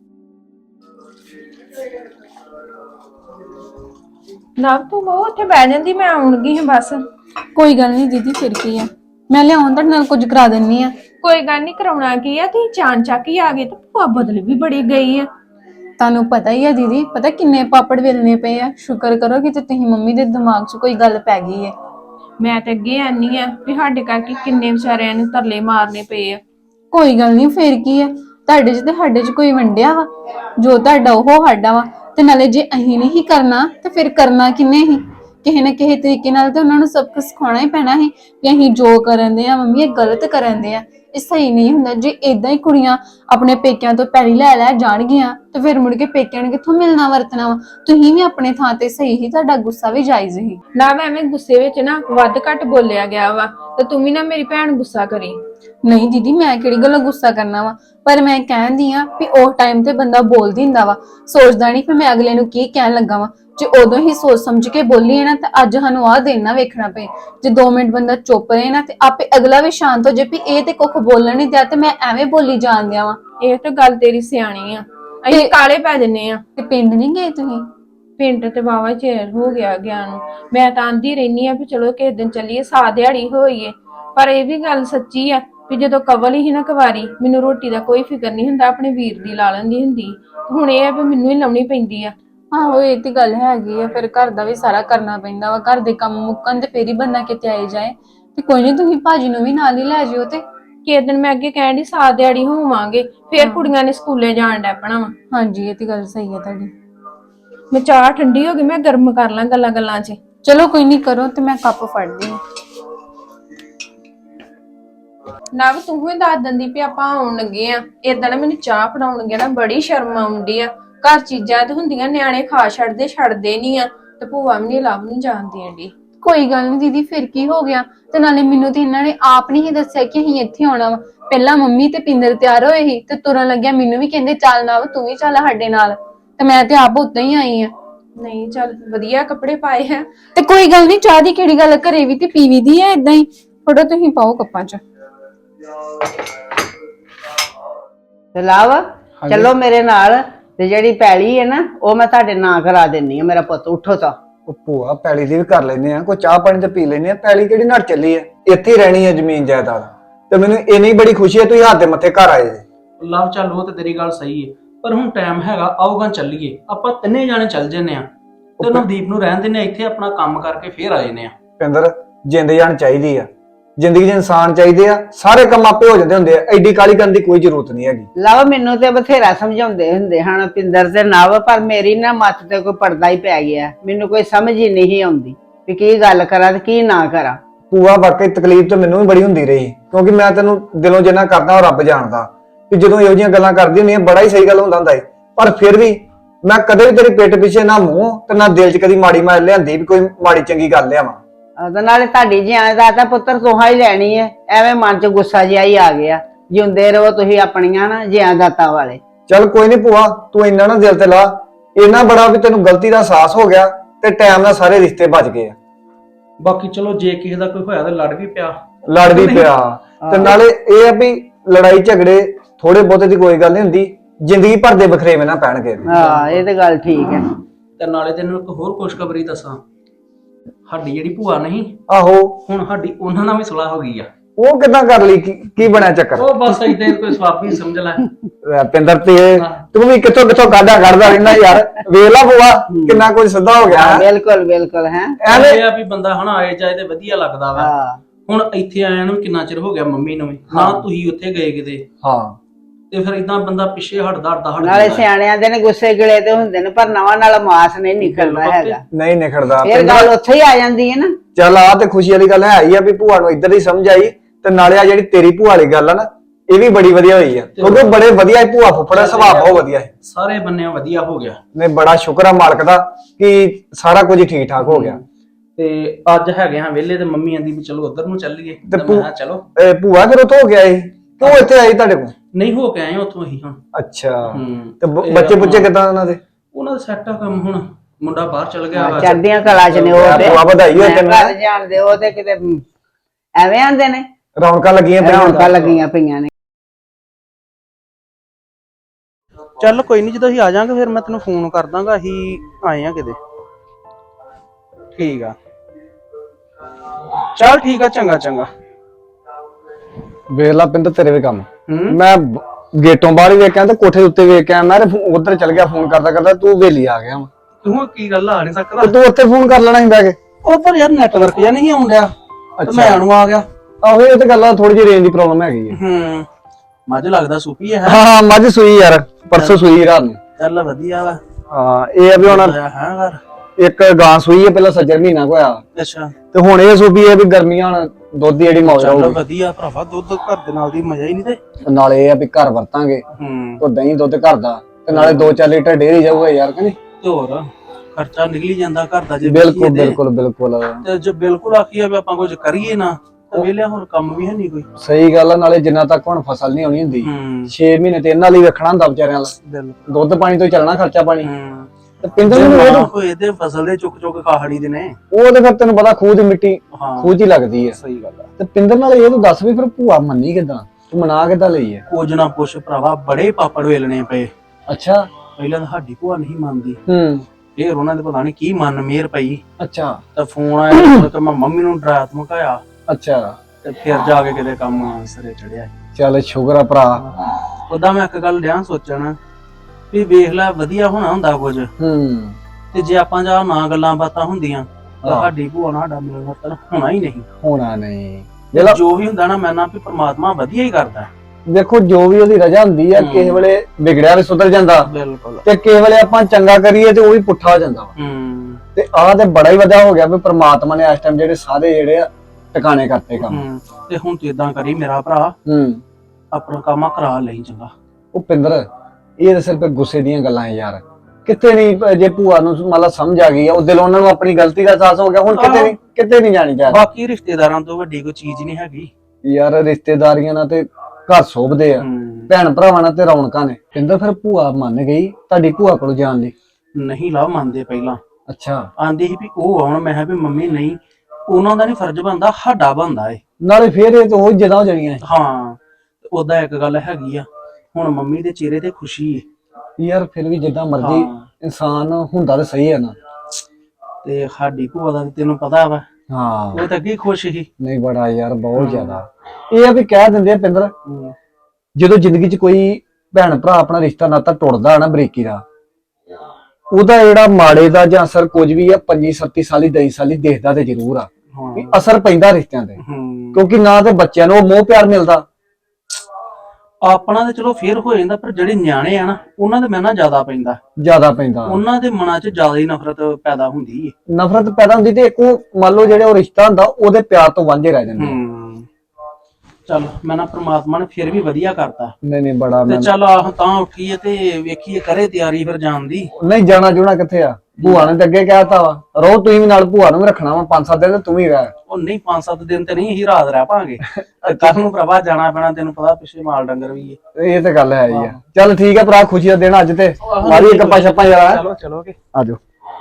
Speaker 2: ਨਾ ਤੂੰ ਉਹ ਉੱਥੇ ਬਹਿ ਜਾਂਦੀ, ਮੈਂ ਆਉਣਗੀ ਹਾਂ ਬਸ।
Speaker 5: ਕੋਈ ਗੱਲ ਨਹੀਂ ਦੀਦੀ, ਫਿਰ ਕੀ ਆ, ਮੈਂ ਲਿਆਉਣ ਤੁਹਾਡੇ ਨਾਲ ਕੁਝ ਕਰਾ ਦਿੰਨੀ ਆ।
Speaker 2: ਕੋਈ ਗੱਲ ਨਹੀਂ, ਕਰਾਉਣਾ ਕੀ ਆ, ਤੁਸੀਂ ਚਾਨ ਚੱਕ ਹੀ ਆ ਗਏ ਤੇ ਭੂਆ ਬਦਲ ਵੀ ਬੜੀ ਗਈ ਆ।
Speaker 5: ਤੁਹਾਨੂੰ ਪਤਾ ਹੀ ਆ ਦੀਦੀ, ਪਤਾ ਕਿੰਨੇ ਪਾਪੜ ਵੇਲਣੇ ਪਏ ਆ। ਸ਼ੁਕਰ ਕਰੋ ਕਿ ਤੇ ਤੁਸੀਂ ਮੰਮੀ ਦੇ ਦਿਮਾਗ 'ਚ ਕੋਈ ਗੱਲ ਪੈ ਗਈ ਹੈ।
Speaker 2: ਮੈਂ ਤੇ ਅੱਗੇ ਆਨੀ ਆ ਵੀ ਸਾਡੇ ਕਰਕੇ ਕਿੰਨੇ ਵਿਚਾਰਿਆਂ ਨੂੰ ਤਰਲੇ ਮਾਰਨੇ ਪਏ ਆ।
Speaker 5: ਕੋਈ ਗੱਲ ਨਹੀਂ, ਫਿਰ ਕੀ ਆ, ਤੁਹਾਡੇ 'ਚ ਤੇ ਸਾਡੇ 'ਚ ਕੋਈ ਵੰਡਿਆ ਵਾ? ਜੋ ਤੁਹਾਡਾ ਉਹ ਸਾਡਾ ਵਾ। ਤੇ ਨਾਲੇ ਜੇ ਅਸੀਂ ਨਹੀਂ ਕਰਨਾ ਤੇ ਫਿਰ ਕਰਨਾ ਕਿੰਨੇ ਹੀ? ਕਿਸੇ ਨਾ ਕਿਸੇ ਤਰੀਕੇ ਨਾਲ ਤੇ ਉਹਨਾਂ ਨੂੰ ਸਭ ਕੁਝ ਸਿਖਾਉਣਾ ਹੀ ਪੈਣਾ ਸੀ ਕਿ ਅਸੀਂ ਜੋ ਕਰਨ ਦੇ ਆ ਮੰਮੀ ਇਹ ਗਲਤ ਕਰਨ ਦੇ ਆ, ਇਹ ਸਹੀ ਨਹੀਂ ਹੁੰਦਾ। ਜੇ ਇਦਾਂ ਹੀ ਕੁੜੀਆਂ ਆਪਣੇ ਪੇਕਿਆਂ ਤੋਂ ਪੈਲੀ ਲੈ ਜਾਣਗੀਆਂ ਤੇ ਫਿਰ ਮੁੜ ਕੇ ਪੇਕਿਆਂ ਨੇ ਕਿੱਥੋਂ ਮਿਲਣਾ ਵਰਤਣਾ ਵਾ। ਤੁਸੀਂ ਵੀ ਆਪਣੇ ਥਾਂ ਤੇ ਸਹੀ ਹੀ, ਤੁਹਾਡਾ ਗੁੱਸਾ ਵੀ ਜਾਇਜ਼ ਹੀ।
Speaker 2: ਨਾ ਮੈਂ ਐਵੇਂ ਗੁੱਸੇ ਵਿੱਚ ਨਾ ਵੱਧ ਘੱਟ ਬੋਲਿਆ ਗਿਆ ਵਾ, ਤੇ ਤੂੰ ਵੀ ਨਾ ਮੇਰੀ ਭੈਣ ਗੁੱਸਾ ਕਰੀ।
Speaker 5: ਨਹੀਂ ਦੀਦੀ, ਮੈਂ ਕਿਹੜੀ ਗੱਲੋਂ ਗੁੱਸਾ ਕਰਨਾ ਵਾ, ਪਰ ਮੈਂ ਕਹਿੰਦੀ ਆ ਵੀ ਉਸ ਟਾਈਮ ਤੇ ਬੰਦਾ ਬੋਲਦੀ ਹੁੰਦਾ ਵਾ, ਸੋਚਦਾ ਨਹੀਂ ਕਿ ਮੈਂ ਅਗਲੇ ਨੂੰ ਕੀ ਕਹਿਣ ਲੱਗਾ ਵਾ। ਜੇ ਉਦੋਂ ਹੀ ਸੋਚ ਸਮਝ ਕੇ ਬੋਲੀ ਹੈ ਨਾ ਤੇ ਅੱਜ ਸਾਨੂੰ ਆਹ ਦਿਨ ਨਾ ਵੇਖਣਾ ਪਏ। ਜੇ 2 ਮਿੰਟ ਬੰਦਾ ਚੁੱਪ ਰਹੇ ਨਾ ਤੇ ਆਪੇ ਅਗਲਾ ਵੀ ਸ਼ਾਂਤ ਹੋ ਜੇ ਵੀ ਇਹ ਤੇ ਕੁੱਖ ਬੋਲਣ ਨਹੀਂ ਦਿਆ ਤੇ ਮੈਂ ਐਵੇਂ ਬੋਲੀ ਜਾਣ ਦਿਆ ਵਾ।
Speaker 2: ਇਹ ਤਾਂ ਗੱਲ ਤੇਰੀ ਸਿਆਣੀ ਆ, ਅਸੀਂ ਕਾਲੇ ਪੈ ਜੰਨੇ ਆ।
Speaker 5: ਤੇ ਪਿੰਡ ਨਹੀਂ ਗਏ ਤੁਸੀਂ?
Speaker 2: ਪਿੰਡ ਤੇ ਵਾਵਾ ਚਿਰ ਹੋ ਗਿਆ ਨੂੰ। ਮੈਂ ਤਾਂ ਆਂਦੀ ਰਹਿਨੀ ਆ ਵੀ ਚਲੋ ਕਿਸੇ ਦਿਨ ਚੱਲੀਏ, ਸਾ ਦਿਹਾੜੀ ਹੋਈਏ। ਪਰ ਇਹ ਵੀ ਗੱਲ ਸੱਚੀ ਆ ਵੀ ਜਦੋਂ ਕਵਲ ਹੀ ਨਾ ਕੁਵਾਰੀ, ਮੈਨੂੰ ਰੋਟੀ ਦਾ ਕੋਈ ਫਿਕਰ ਨਹੀਂ ਹੁੰਦਾ, ਆਪਣੇ ਵੀਰ ਦੀ ਲਾ ਲੈਂਦੀ ਹੁੰਦੀ। ਹੁਣ ਇਹ ਆ ਵੀ ਮੈਨੂੰ ਹੀ ਲਾਉਣੀ ਪੈਂਦੀ ਆ।
Speaker 5: ਆਹੋ, ਇਹ ਤੇ ਗੱਲ ਹੈਗੀ ਆ, ਫਿਰ ਘਰ ਦਾ ਵੀ ਸਾਰਾ ਕਰਨਾ ਪੈਂਦਾ ਵਾ। ਘਰ ਦੇ ਕੰਮ ਮੁੱਕਣ ਤੇ ਫੇਰ ਹੀ ਬੰਦਾ ਕਿਤੇ ਆਏ ਜਾਏ। ਤੇ ਕੋਈ ਨਹੀਂ, ਤੁਸੀਂ ਭਾਜੀ ਨੂੰ ਵੀ ਨਾਲ ਹੀ ਲੈ ਜਿਓ। ਤੇ
Speaker 2: ਕਿਸੇ ਦਿਨ ਮੈਂ ਅੱਗੇ ਕਹਿਣ ਦੀ ਸਾ ਦਿਹਾੜੀ ਹੋਵਾਂਗੇ, ਫੇਰ ਕੁੜੀਆਂ ਨੇ ਸਕੂਲੇ ਜਾਣ ਡੈ ਪੈਣਾ ਵਾ।
Speaker 5: ਹਾਂਜੀ, ਇਹ ਤੇ ਗੱਲ ਸਹੀ ਆ ਤੁਹਾਡੀ।
Speaker 2: ਮੈਂ ਚਾਹ ਠੰਡੀ ਹੋ ਗਈ, ਮੈਂ ਗਰਮ ਕਰ ਲਾਂ ਗੱਲਾਂ 'ਚ।
Speaker 5: ਚਲੋ ਕੋਈ ਨਹੀਂ, ਕਰੋ ਤੇ ਮੈਂ ਕੱਪ ਫੜਦੀ ਹਾਂ।
Speaker 2: ਨਾ ਵੀ ਤੂੰ ਹੀ ਦੱਸ ਦਿੰਦੀ ਵੀ ਆਪਾਂ ਆਉਣ ਲੱਗੇ ਆ। ਏਦਾਂ ਨਾ ਮੈਨੂੰ ਚਾਹ ਫੜਾਉਣ ਲੱਗੇ ਨਾ ਬੜੀ ਸ਼ਰਮ ਆਉਂਦੀ ਆ। ਘਰ ਚੀਜ਼ਾਂ ਤੇ ਹੁੰਦੀਆਂ, ਨਿਆਣੇ ਖਾ ਛੱਡਦੇ ਨਹੀਂ ਆ, ਤੇ ਭੂਆ ਵੀ ਨਹੀਂ ਲੱਭ ਨੂੰ ਜਾਣ ਦੇਂਦੀ।
Speaker 5: ਕੋਈ ਗੱਲ ਨਹੀਂ ਦੀਦੀ, ਫਿਰ ਕੀ ਹੋ ਗਿਆ? ਤੇ ਨਾਲੇ ਮੈਨੂੰ ਤੇ ਇਹਨਾਂ ਨੇ ਆਪ ਨਹੀਂ ਦੱਸਿਆ ਕਿ ਅਸੀਂ ਇੱਥੇ ਆਉਣਾ ਵਾ। ਪਹਿਲਾਂ ਮੰਮੀ ਤੇ ਪਿੰਦਰ ਤਿਆਰ ਹੋਏ ਸੀ ਤੇ ਤੁਰਨ ਲੱਗਿਆ ਮੈਨੂੰ ਵੀ ਕਹਿੰਦੇ ਚੱਲ ਨਾ ਤੂੰ ਵੀ ਚੱਲ ਸਾਡੇ ਨਾਲ, ਤੇ ਮੈਂ ਤੇ ਆਪ ਉਦਾਂ ਹੀ ਆਈ ਆ।
Speaker 2: ਨਹੀਂ ਚੱਲ ਵਧੀਆ ਕੱਪੜੇ ਪਾਏ ਆ।
Speaker 5: ਤੇ ਕੋਈ ਗੱਲ ਨਹੀਂ, ਚਾਹ ਦੀ ਕਿਹੜੀ ਗੱਲ, ਘਰੇ ਵੀ ਤੇ ਪੀਵੀ ਦੀ ਆ ਏਦਾਂ ਹੀ। ਫੜੋ ਤੁਸੀਂ, ਪਾਓ ਕੱਪਾਂ 'ਚ।
Speaker 4: ਤੇ ਲਾਵ ਚਲੋ ਮੇਰੇ ਨਾਲ, ਤੇ ਜਿਹੜੀ ਪੈਲੀ ਹੈ ਨਾ ਉਹ ਮੈਂ ਤੁਹਾਡੇ ਨਾਂ ਕਰਾ ਦਿੰਨੀ ਆ। ਮੇਰਾ ਪੁੱਤ ਉੱਠੋ ਤਾਂ।
Speaker 1: ਉਹ ਭੂਆ ਪੈਲੀ ਦੀ ਵੀ ਕਰ ਲੈਨੇ ਆ, ਕੋਈ ਚਾਹ ਪਾਣੀ ਤੇ ਪੀ ਲੈਨੇ ਆ। ਪੈਲੀ ਕਿਹੜੀ ਨੜ ਚੱਲੀ ਆ, ਇੱਥੇ ਹੀ ਰਹਿਣੀ ਆ ਜ਼ਮੀਨ ਜਾਇਦਾਦ। ਤੇ ਮੈਨੂੰ ਇੰਨੀ ਬੜੀ ਖੁਸ਼ੀ ਹੈ ਤੁਸੀਂ ਹੱਥ ਦੇ ਮੱਥੇ ਘਰ ਆਏ ਜੇ।
Speaker 3: ਲਵ ਚੱਲ ਉਹ ਤੇ ਤੇਰੀ ਗੱਲ ਸਹੀ ਹੈ, ਪਰ ਹੁਣ ਟਾਈਮ ਹੈਗਾ, ਆਓਗਾ ਚੱਲੀਏ। ਆਪਾਂ ਤਿੰਨੇ ਜਾਣੇ ਚੱਲ ਜੰਨੇ ਆ ਤੇ ਨਵਦੀਪ ਨੂੰ ਰਹਿਣ ਦਿੰਨੇ ਆ ਇੱਥੇ, ਆਪਣਾ ਕੰਮ ਕਰਕੇ ਫੇਰ ਆ ਜੰਨੇ ਆ।
Speaker 1: ਪਿੰਦਰ, ਜਿੰਦ ਜਾਨ ਚਾਹੀਦੀ ਆ, ਜ਼ਿੰਦਗੀ 'ਚ ਇਨਸਾਨ ਚਾਹੀਦੇ ਆ, ਸਾਰੇ ਕੰਮ ਆਪੇ ਹੋ ਜਾਂਦੇ ਹੁੰਦੇ ਆ, ਐਡੀ ਕਾਹਲੀ ਕਰਨ ਦੀ ਕੋਈ ਜ਼ਰੂਰਤ ਨਹੀਂ ਹੈਗੀ।
Speaker 4: ਲਵ ਮੈਨੂੰ ਤੇ ਬਥੇਰਾ ਸਮਝਾਉਂਦੇ ਹੁੰਦੇ ਹਨ ਪਿੰਦਰ ਤੇ ਨਵ, ਪਰ ਮੇਰੀ ਨਾ ਮੱਤ ਤੇ ਕੋਈ ਪਰਦਾ ਹੀ ਪੈ ਗਿਆ। ਮੈਨੂੰ ਕੋਈ ਸਮਝ ਹੀ ਨਹੀਂ ਆਉਂਦੀ ਵੀ ਕੀ ਗੱਲ ਕਰਾਂ ਤੇ ਕੀ ਨਾ ਕਰਾਂ।
Speaker 1: ਭੂਆ ਵਾਕਈ ਤਕਲੀਫ ਤੇ ਮੈਨੂੰ ਵੀ ਬੜੀ ਹੁੰਦੀ ਰਹੀ, ਕਿਉਂਕਿ ਮੈਂ ਤੈਨੂੰ ਦਿਲੋਂ ਜਿੰਨਾ ਕਰਦਾ ਉਹ ਰੱਬ ਜਾਣਦਾ ਕਿ ਜਦੋਂ ਇਹੋ ਜਿਹੀਆਂ ਗੱਲਾਂ ਕਰਦੀ ਹੁੰਦੀ ਆ ਬੜਾ ਹੀ ਸਹੀ ਗੱਲ ਹੁੰਦਾ ਏ। ਪਰ ਫਿਰ ਵੀ ਮੈਂ ਕਦੇ ਵੀ ਤੇਰੀ ਪਿੱਠ ਪਿੱਛੇ ਨਾ ਮੂੰਹ ਤੇ ਨਾ ਦਿਲ 'ਚ ਕਦੀ ਮਾੜੀ ਮਾਰ ਲਿਆਂਦੀ ਵੀ ਕੋਈ ਮਾੜੀ ਚੰਗੀ ਗੱਲ ਲਿਆਵਾਂ।
Speaker 4: ਉਹਦੇ ਨਾਲੇ ਤੁਹਾਡੀ ਜਾਇਦਾਦ ਤਾਂ ਪੁੱਤਰ ਤੁਹਾਂ ਹੀ ਲੈਣੀ ਹੈ। ਐਵੇਂ ਮਨ 'ਚ ਗੁੱਸਾ ਜਿਹਾ ਹੀ ਆ ਗਿਆ। ਜਿਉਂਦੇ ਰਹੋ ਤੁਸੀਂ ਆਪਣੀਆਂ ਨਾ ਜਾਇਦਾਦਾਂ ਵਾਲੇ।
Speaker 1: ਚੱਲ ਕੋਈ ਨਹੀਂ ਭੂਆ, ਤੂੰ ਇੰਨਾ ਨਾ ਦਿਲ ਤੇ ਲਾ। ਇੰਨਾ ਬੜਾ ਵੀ ਤੈਨੂੰ ਗਲਤੀ ਦਾ ਅਹਿਸਾਸ ਹੋ ਗਿਆ ਤੇ ਟਾਈਮ ਨਾਲ ਸਾਰੇ ਰਿਸ਼ਤੇ ਬਚ ਗਏ ਆ।
Speaker 3: ਬਾਕੀ ਚਲੋ ਜੇ ਕਿਸੇ ਦਾ ਕੋਈ ਹੋਇਆ ਤਾਂ ਲੜ ਵੀ ਪਿਆ।
Speaker 1: ਲੜ ਵੀ ਪਿਆ ਤੇ ਨਾਲੇ ਇਹ ਆ ਵੀ ਲੜਾਈ ਝਗੜੇ ਥੋੜੇ ਬਹੁਤੇ ਦੀ ਕੋਈ ਗੱਲ ਨਹੀਂ ਹੁੰਦੀ, ਜ਼ਿੰਦਗੀ ਭਰ ਦੇ ਬਖਰੇਵੇਂ ਨਾ ਪੈਣਗੇ।
Speaker 4: ਹਾਂ, ਇਹ ਤੇ ਗੱਲ ਠੀਕ ਹੈ।
Speaker 3: ਤੇ ਨਾਲੇ ਤੈਨੂੰ ਇੱਕ ਹੋਰ ਖੁਸ਼ਖਬਰੀ ਦੱਸਾਂ, ਸਾਡੀ ਜਿਹੜੀ ਭੂਆ ਨਹੀਂ,
Speaker 1: ਆਹੋ,
Speaker 3: ਹੁਣ ਸਾਡੀ ਉਹਨਾਂ ਨਾਲ ਵੀ ਸੁਲਾਹ ਹੋ ਗਈ ਆ।
Speaker 1: ਉਹ ਕਿੱਦਾਂ ਕਰ ਲਈ? ਕੀ ਬਣਿਆ ਚੱਕਰ?
Speaker 3: ਉਹ ਬਸ ਏਦਾਂ ਕੋਈ ਸਵਾਬੀ ਸਮਝ ਲੈ।
Speaker 1: ਪਿੰਦਰ ਤੇ ਤੂੰ ਵੀ ਕਿੱਥੋਂ ਕੱਢਦਾ ਰਹਿੰਦਾ ਯਾਰ। ਵੇਖ ਲਾ ਭੂਆ ਕਿੰਨਾ ਕੁਝ ਸਿੱਧਾ ਹੋ ਗਿਆ।
Speaker 4: ਬਿਲਕੁਲ ਬਿਲਕੁਲ ਹੈ।
Speaker 3: ਇਹ ਆ ਵੀ ਬੰਦਾ ਹਨਾ ਆਏ ਜਾਏ ਤੇ ਵਧੀਆ ਲੱਗਦਾ ਵਾ। ਹੁਣ ਇੱਥੇ ਆਇਆ ਨੂੰ ਕਿੰਨਾ ਚਿਰ ਹੋ ਗਿਆ ਮੰਮੀ ਨੂੰ ਵੀ ਨਾ, ਤੁਸੀਂ ਉੱਥੇ ਗਏ ਕਿਤੇ।
Speaker 1: ਹਾਂ,
Speaker 3: ਤੇ ਫਿਰ ਇਦਾਂ ਬੰਦਾ ਪਿੱਛੇ ਹਟਦਾ
Speaker 4: ਨਾਲੇ ਸਿਆਣਿਆਂ ਦੇ ਨੇ ਗੁੱਸੇ ਗਿਲੇ ਤੇ ਹੁੰਦੇ ਨੇ, ਪਰ ਨਵਾਂ ਨਾਲ ਮਾਸ ਨਹੀਂ ਨਿਕਲਦਾ ਹੈਗਾ।
Speaker 1: ਨਹੀਂ ਨਿਖੜਦਾ।
Speaker 4: ਫਿਰ ਗੱਲ ਉੱਥੇ ਹੀ ਆ ਜਾਂਦੀ ਹੈ ਨਾ।
Speaker 1: ਚੱਲ ਆ ਤੇ ਖੁਸ਼ੀ ਵਾਲੀ ਗੱਲ ਹੈ ਹੀ ਆ ਵੀ ਭੂਆ ਨੂੰ ਇੱਧਰ ਦੀ ਸਮਝ ਆਈ, ਤੇ ਨਾਲੇ ਆ ਜਿਹੜੀ ਤੇਰੀ ਭੂਆ ਵਾਲੀ ਗੱਲ ਆ ਨਾ, ਇਹ ਵੀ ਬੜੀ ਵਧੀਆ ਹੋਈ ਆ, ਕਿਉਂਕਿ ਬੜੇ ਵਧੀਆ ਭੂਆ ਫੁੱਫੜਾ ਸੁਭਾਅ ਬਹੁਤ ਵਧੀਆ ਹੈ।
Speaker 3: ਸਾਰੇ ਬੰਨਿਆਂ ਵਧੀਆ ਹੋ ਗਿਆ।
Speaker 1: ਨੇ ਬੜਾ ਸ਼ੁਕਰ ਆ ਮਾਲਕ ਦਾ ਕਿ ਸਾਰਾ ਕੁਝ ਠੀਕ ਠਾਕ ਹੋ ਗਿਆ।
Speaker 3: ਤੇ ਅੱਜ ਹੈਗੇ ਹਾਂ ਵਿਹਲੇ ਤੇ ਮੰਮੀ ਆਂਦੀ ਵੀ ਚਲੋ ਉਧਰ ਨੂੰ ਚੱਲੀਏ।
Speaker 1: ਤੇ
Speaker 3: ਮੈਂ ਕਿਹਾ ਚਲੋ।
Speaker 1: ਭੂਆ ਫਿਰ ਉੱਥੋਂ ਹੋ ਗਿਆ ਇਹ, ਤੂੰ ਇੱਥੇ ਆਈ ਤੁਹਾਡੇ ਕੋਲ?
Speaker 3: ਨਹੀਂ, ਹੋ ਕੇ ਆਏ ਉੱਥੋਂ ਅਸੀਂ ਹੁਣ।
Speaker 1: ਅੱਛਾ,
Speaker 3: ਹੂੰ।
Speaker 1: ਤੇ ਬੱਚੇ ਬੁੱਚੇ ਕਿਦਾਂ ਉਹਨਾਂ ਦੇ?
Speaker 3: ਉਹਨਾਂ ਦਾ ਸੈੱਟ ਆ ਕੰਮ ਹੁਣ। ਮੁੰਡਾ ਬਾਹਰ ਚਲ ਗਿਆ ਵਾ।
Speaker 4: ਚੜ੍ਹਦੀਆਂ ਕਲਾ ਚ ਨੇ ਉਹ ਤੇ
Speaker 1: ਭੂਆ ਵਧਾਈ ਹੋਏ
Speaker 4: ਮੈਂ
Speaker 1: ਤੈਨੂੰ।
Speaker 4: ਘਰ ਜਾਣਦੇ ਉਹ ਤੇ ਕਿਤੇ ਐਵੇਂ ਆਂਦੇ ਨੇ,
Speaker 1: ਰੌਣਕਾਂ ਲੱਗੀਆਂ ਪਈਆਂ
Speaker 4: ਰੌਣਕਾਂ ਲੱਗੀਆਂ ਪਈਆਂ ਨੇ।
Speaker 3: ਚੱਲ ਕੋਈ ਨਹੀਂ, ਜਦੋਂ ਅਸੀਂ ਆ ਜਾਾਂਗੇ ਫਿਰ ਮੈਂ ਤੈਨੂੰ ਫੋਨ ਕਰ ਦਾਂਗਾ। ਅਸੀਂ ਆਏ ਆ ਕਿਤੇ। ਠੀਕ ਆ, ਚੱਲ ਠੀਕ ਆ, ਚੰਗਾ ਚੰਗਾ।
Speaker 1: ਵੇਖ ਲਾ ਪਿੰਡ ਤੇਰੇ ਵੀ ਕੰਮ।
Speaker 3: ਹੂੰ
Speaker 1: ਮੈਂ ਗੇਟੋਂ ਬਾਹਰ ਹੀ ਵੇਖਿਆ ਤੇ ਕੋਠੇ ਉੱਤੇ ਵੇਖ ਕੇ ਆਇਆ, ਮੈਂ ਉਧਰ ਚਲ ਗਿਆ ਫੋਨ ਕਰਦਾ ਕਰਦਾ, ਤੂੰ ਵੇਲੀ ਆ ਗਿਆ ਵਾ।
Speaker 3: ਤੂੰ ਕੀ ਗੱਲ ਆ ਨਹੀਂ ਸਕਦਾ?
Speaker 1: ਤੇ ਤੂੰ ਉੱਥੇ ਫੋਨ ਕਰ ਲੈਣਾ ਸੀ ਬਹਿ ਕੇ।
Speaker 3: ਉਧਰ ਯਾਰ ਨੈਟਵਰਕ ਜਾਂ ਨਹੀਂ ਆਉਣ ਡਿਆ ਤੇ ਮੈਂ ਨੂੰ ਆ ਗਿਆ।
Speaker 1: ਆਹੋ ਇਹ ਤੇ ਗੱਲ ਆ, ਥੋੜੀ ਜਿਹੀ ਰੇਂਜ ਦੀ ਪ੍ਰੋਬਲਮ ਹੈਗੀ ਹੈ।
Speaker 3: ਮੱਝ ਲੱਗਦਾ ਸੂਪੀ ਹੈ।
Speaker 1: ਹਾਂ ਮੱਝ ਸੂਈ ਯਾਰ, ਪਰਸੋਂ ਸੂਈ ਰਾਤ ਨੂੰ।
Speaker 3: ਚੱਲ ਵਧੀਆ ਵਾ।
Speaker 1: ਹਾਂ ਇਹ ਆ ਵੀ ਹੁਣ
Speaker 3: ਹਾਂ ਘਰ
Speaker 1: ਇੱਕ ਗਾਂ ਸੂਈ ਹੈ, ਪਹਿਲਾਂ ਸੱਜਰ ਮਹੀਨਾ ਕੋ ਹੋਇਆ
Speaker 3: ਅੱਛਾ,
Speaker 1: ਤੇ ਹੁਣ ਇਹ ਸੂਬੀ ਹੈ ਵੀ ਗਰਮੀਆਂ ਹੁਣ ਦੁੱਧ ਦੀ ਜਿਹੜੀ ਮੌਜ
Speaker 3: ਚੱਲ
Speaker 1: ਹੋਊਗੀ।
Speaker 3: ਵਧੀਆ ਭਰਾਵਾ, ਦੁੱਧ ਘਰ ਦੇ ਨਾਲ ਦੀ ਮਜ਼ਾ ਹੀ ਨਹੀਂ ਤੇ।
Speaker 1: ਨਾਲੇ ਇਹ ਆ ਵੀ ਘਰ ਵਰਤਾਂਗੇ ਤੇ ਦਹੀਂ ਦੁੱਧ ਘਰ ਦਾ, ਤੇ ਨਾਲੇ 2-4 ਲੀਟਰ ਡੇਰੀ ਜਾਊਗਾ ਯਾਰ ਕਿ ਨਹੀਂ।
Speaker 3: ਤੇ ਹੋਰ ਖਰਚਾ ਨਿਕਲੀ ਜਾਂਦਾ ਘਰ ਦਾ ਜੇ
Speaker 1: ਬਿਲਕੁਲ
Speaker 3: ਵੇਖੀਏ ਤੇ।
Speaker 1: ਬਿਲਕੁਲ ਬਿਲਕੁਲ
Speaker 3: ਤੇ ਜੇ ਬਿਲਕੁਲ ਆਖੀਏ ਵੀ ਆਪਾਂ ਕੁਝ ਕਰੀਏ ਨਾ ਤੇ ਵੇਲਿਆ ਹੋਰ ਕੰਮ ਵੀ ਹੈ ਨਹੀਂ ਕੋਈ।
Speaker 1: ਸਹੀ ਗੱਲ ਆ। ਨਾਲੇ ਜਿੰਨਾ ਤੱਕ ਹੁਣ ਫਸਲ ਨਹੀਂ ਆਉਣੀ ਹੁੰਦੀ 6 ਮਹੀਨੇ ਤੇ ਇਹਨਾਂ ਲਈ ਵੇਖਣਾ ਹੁੰਦਾ ਵਿਚਾਰਿਆਂ ਦਾ।
Speaker 3: ਬਿਲਕੁਲ।
Speaker 1: ਦੁੱਧ ਪਾਣੀ ਤੋਂ ਹੀ ਚੱਲਣਾ, ਖਰਚਾ ਪਾਣੀ। ਤੇ ਪਿੰਦਰ
Speaker 3: ਜੇ
Speaker 1: ਨੂੰ
Speaker 3: ਨਾ ਹੋਏ ਤੇ ਫਸਲ ਦੇ ਚੁੱਕ ਚੁੱਕ ਖਾਹੜੀ ਦੇ ਨੇ।
Speaker 1: ਉਹ ਤੇ ਫਿਰ ਤੈਨੂੰ ਪਤਾ ਖੂਹ ਦੀ ਮਿੱਟੀ
Speaker 3: ਹਾਂ
Speaker 1: ਖੂਹ 'ਚ ਹੀ ਲੱਗਦੀ ਹੈ।
Speaker 3: ਸਹੀ ਗੱਲ ਆ।
Speaker 1: ਤੇ ਪਿੰਦਰ ਨਾਲ ਇਹ ਤੂੰ ਦੱਸ ਵੀ ਫਿਰ ਭੂਆ ਮੰਨੀ ਕਿਦਾਂ, ਤੂੰ ਮਨਾ ਕਿਦਾਂ ਲਈ ਹੈ?
Speaker 3: ਕੁਝ ਨਾ ਪੁੱਛ ਭਰਾਵਾ, ਬੜੇ ਪਾਪੜ ਵੇਲਣੇ ਪਏ।
Speaker 1: ਅੱਛਾ।
Speaker 3: ਪਹਿਲਾਂ ਤਾਂ ਸਾਡੀ ਭੂਆ ਨਹੀਂ ਮੰਨਦੀ,
Speaker 1: ਹੂੰ।
Speaker 3: ਫੇਰ ਉਹਨਾਂ ਦੇ ਪਤਾ ਨਹੀਂ ਕੀ ਮਨ ਮੇਰ ਪਈ
Speaker 1: ਅੱਛਾ
Speaker 3: ਤੇ ਫੋਨ ਆਇਆ ਤੇ ਮੈਂ ਮੰਮੀ ਨੂੰ ਡਰਾ ਧਮਕਾਇਆ
Speaker 1: ਅੱਛਾ।
Speaker 3: ਤੇ ਫਿਰ ਜਾ ਕੇ ਕਿਤੇ ਕੰਮ ਸਿਰੇ ਚੜਿਆ।
Speaker 1: ਚੱਲ ਸ਼ੁਕਰ ਆ ਭਰਾ।
Speaker 3: ਉਦਾਂ ਮੈਂ ਇੱਕ ਗੱਲ ਡਿਆ ਸੋਚਣ ਵੀ ਵੇਖ ਲੈ, ਵਧੀਆ ਹੋਣਾ ਹੁੰਦਾ ਕੁਝ,
Speaker 1: ਹੂੰ।
Speaker 3: ਤੇ ਜੇ ਆਪਾਂ ਜਾ ਨਾ ਗੱਲਾਂ ਬਾਤਾਂ ਹੁੰਦੀਆਂ ਤਾਂ
Speaker 1: ਹਾਂ।
Speaker 3: ਸਾਡੀ ਭੂਆ ਨਾਲ ਸਾਡਾ ਮਿਲਣ ਵਰਤਨ ਹੋਣਾ ਹੀ ਨਹੀਂ।
Speaker 1: ਹੋਣਾ ਨਹੀਂ।
Speaker 3: ਤੇ ਜੋ ਵੀ ਹੁੰਦਾ ਨਾ, ਮੈਂ ਨਾ ਵੀ ਪ੍ਰਮਾਤਮਾ ਵਧੀਆ ਹੀ ਕਰਦਾ।
Speaker 1: ਦੇਖੋ ਜੋ ਵੀ ਉਹਦੀ ਰਜਾ ਹੁੰਦੀ ਆ, ਕਿਸੇ ਵੇਲੇ ਵਿਗੜਿਆ ਵੀ ਸੁਧਰ ਜਾਂਦਾ
Speaker 3: ਬਿਲਕੁਲ।
Speaker 1: ਤੇ ਕਿਸੇ ਵੇਲੇ ਆਪਾਂ ਚੰਗਾ ਕਰੀਏ ਤੇ ਉਹ ਵੀ ਪੁੱਠਾ ਹੋ ਜਾਂਦਾ ਵਾ। ਤੇ ਆਹ ਤੇ ਬੜਾ ਹੀ ਵਧੀਆ ਹੋ ਗਿਆ ਵੀ ਪ੍ਰਮਾਤਮਾ ਨੇ ਇਸ ਟਾਈਮ ਜਿਹੜੇ ਸਾਰੇ ਜਿਹੜੇ ਆ ਟਿਕਾਣੇ ਕਰਤੇ ਕੰਮ।
Speaker 3: ਤੇ ਹੁਣ ਤੂੰ ਏਦਾਂ ਕਰੀ ਮੇਰਾ ਭਰਾ,
Speaker 1: ਹੂੰ।
Speaker 3: ਆਪਣਾ ਕੰਮ ਕਰਾ ਲਈ ਚੰਗਾ।
Speaker 1: ਉਹ ਪਿੰਦਰ ਇਹ ਤਾਂ ਸਿਰਫ ਗੁੱਸੇ ਦੀਆਂ ਗੱਲਾਂ ਹੈ ਯਾਰ। ਕਿਤੇ ਨਹੀਂ, ਜੇ ਭੂਆ ਨੂੰ ਮਤਲਬ ਸਮਝ ਆ ਗਈ ਆ, ਉਹ ਦਿਲ ਉਹਨਾਂ ਨੂੰ ਆਪਣੀ ਗਲਤੀ ਦਾ ਅਹਿਸਾਸ ਹੋ ਗਿਆ, ਹੁਣ ਕਿਤੇ ਨਹੀਂ ਜਾਣੀ ਚਾਹੀਦੀ।
Speaker 3: ਬਾਕੀ ਰਿਸ਼ਤੇਦਾਰਾਂ ਤੋਂ ਵੱਡੀ ਕੋਈ ਚੀਜ਼ ਨਹੀਂ ਹੈਗੀ
Speaker 1: ਯਾਰ ਰਿਸ਼ਤੇਦਾਰੀਆਂ ਨਾਲ ਤੇ ਘਰ ਸੋਭਦੇ ਆ, ਭੈਣ ਭਰਾਵਾਂ ਨਾਲ ਤੇ ਰੌਣਕਾਂ ਨੇ। ਪਿੰਦਰ ਫਿਰ ਭੂਆ ਮੰਨ ਗਈ ਤੁਹਾਡੀ ਭੂਆ ਕੋਲ ਜਾਣ ਦੀ?
Speaker 3: ਨਹੀਂ ਲਾ ਮੰਨਦੇ ਪਹਿਲਾਂ।
Speaker 1: ਅੱਛਾ।
Speaker 3: ਆਂਦੇ ਸੀ ਵੀ ਉਹ ਆਉਣ, ਮੈਂ ਕਿਹਾ ਵੀ ਮੰਮੀ ਨਹੀਂ, ਉਹਨਾਂ ਦਾ ਨਹੀਂ ਫਰਜ਼ ਬਣਦਾ, ਸਾਡਾ ਬਣਦਾ ਏ।
Speaker 1: ਨਾਲੇ ਫੇਰ ਇਹ ਤਾਂ ਉਹ ਜਦਾਂ ਹੋ ਜਾਣੀਆਂ।
Speaker 3: ਹਾਂ ਉਹਦਾ ਇੱਕ ਗੱਲ ਹੈਗੀ ਆ, ਹੁਣ ਮੰਮੀ ਦੇ ਚਿਹਰੇ ਤੇ ਖੁਸ਼ੀ ਏ।
Speaker 1: ਯਾਰ ਫਿਰ ਵੀ ਜਿੱਦਾਂ ਮਰਜ਼ੀ ਇਨਸਾਨ ਹੁੰਦਾ ਤਾਂ ਸਹੀ ਹੈ ਨਾ।
Speaker 3: ਤੇ ਸਾਡੀ ਭੂਆ ਦਾ ਤੈਨੂੰ ਪਤਾ ਵਾ,
Speaker 1: ਹਾਂ
Speaker 3: ਉਹ ਤਾਂ ਅੱਗੇ ਖੁਸ਼ ਸੀ।
Speaker 1: ਨਹੀਂ ਬੜਾ ਯਾਰ, ਬਹੁਤ ਜ਼ਿਆਦਾ। ਇਹ ਆ ਵੀ ਕਹਿ ਦਿੰਦੇ ਆ ਪਿੰਦਰ, ਜਦੋਂ ਜ਼ਿੰਦਗੀ 'ਚ ਕੋਈ ਭੈਣ ਭਰਾ ਆਪਣਾ ਰਿਸ਼ਤਾ ਨਾਤਾ ਟੁੱਟਦਾ ਨਾ ਬਰੀਕੀ ਦਾ, ਉਹਦਾ ਜਿਹੜਾ ਮਾੜੇ ਦਾ ਜਾਂ ਅਸਰ ਕੁਝ ਵੀ ਆ 25-27 ਸਾਲੀ 23 ਸਾਲੀ ਦੇਖਦਾ ਤੇ ਜ਼ਰੂਰ ਆ। ਅਸਰ ਪੈਂਦਾ ਰਿਸ਼ਤਿਆਂ ਤੇ, ਕਿਉਂਕਿ ਨਾ ਤੇ ਬੱਚਿਆਂ ਨੂੰ ਉਹ ਮੋਹ ਪਿਆਰ ਮਿਲਦਾ।
Speaker 3: ਆਪਣਾ ਤੇ ਚਲੋ ਫੇਰ ਹੋ ਜਾਂਦਾ, ਪਰ ਜਿਹੜੇ ਨਿਆਣੇ ਆ ਨਾ, ਉਹਨਾਂ ਦੇ ਮਹਿਨਾ ਜ਼ਿਆਦਾ ਪੈਂਦਾ। ਉਹਨਾਂ ਦੇ ਮਨਾਂ 'ਚ ਜ਼ਿਆਦਾ ਹੀ ਨਫ਼ਰਤ ਪੈਦਾ ਹੁੰਦੀ ਹੈ।
Speaker 1: ਨਫ਼ਰਤ ਪੈਦਾ ਹੁੰਦੀ ਤੇ ਇੱਕ ਉਹ ਮੰਨ ਲਓ ਜਿਹੜੇ ਉਹ ਰਿਸ਼ਤਾ ਹੁੰਦਾ ਉਹਦੇ ਪਿਆਰ ਤੋਂ ਵਾਂਝੇ ਰਹਿ ਜਾਂਦੇ।
Speaker 3: ਚੱਲ ਮੈਂ ਨਾ ਪ੍ਰਮਾਤਮਾ ਨੇ ਫਿਰ ਵੀ ਵਧੀਆ ਕਰਤਾ।
Speaker 1: ਨਹੀਂ ਬੜਾ
Speaker 3: ਤੇ ਚੱਲ ਆਹ ਤਾਂ ਉੱਠੀਏ ਤੇ ਵੇਖੀਏ, ਕਰੇ ਤਿਆਰੀ ਫਿਰ ਜਾਣ ਦੀ।
Speaker 1: ਨਹੀਂ ਜਾਣਾ ਜੁਣਾ ਕਿੱਥੇ ਆ, ਭੂਆ ਨੇ ਤੇ ਅੱਗੇ ਕਹਿਤਾ ਵਾ ਰਹੋ ਤੁਸੀਂ ਵੀ ਨਾਲ, ਭੂਆ ਨੂੰ ਵੀ ਰੱਖਣਾ ਵਾ 5-7 ਦਿਨ, ਤੂੰ ਵੀ ਰਹਿ।
Speaker 3: ਉਹ ਨਹੀਂ 5-7 ਦਿਨ ਤੇ ਨਹੀਂ, ਅਸੀਂ ਰਾਤ ਰਹਿ ਪਾਂਗੇ। ਕੱਲ ਨੂੰ ਭਰਾਵਾ ਜਾਣਾ ਪੈਣਾ, ਤੈਨੂੰ ਪਤਾ ਪਿੱਛੇ ਮਾਲ ਡੰਗਰ ਵੀ ਹੈ।
Speaker 1: ਇਹ ਤੇ ਗੱਲ ਹੈ ਹੀ ਆ। ਚੱਲ ਠੀਕ ਆ ਭਰਾ, ਖੁਸ਼ੀ ਦਾ ਦਿਨ ਅੱਜ ਤੇ ਮਾਰੀ ਗੱਪਾਂ ਛੱਪਾਂ ਯਾਰ।
Speaker 3: ਚਲੋ ਕੇ
Speaker 1: ਆਜੋ।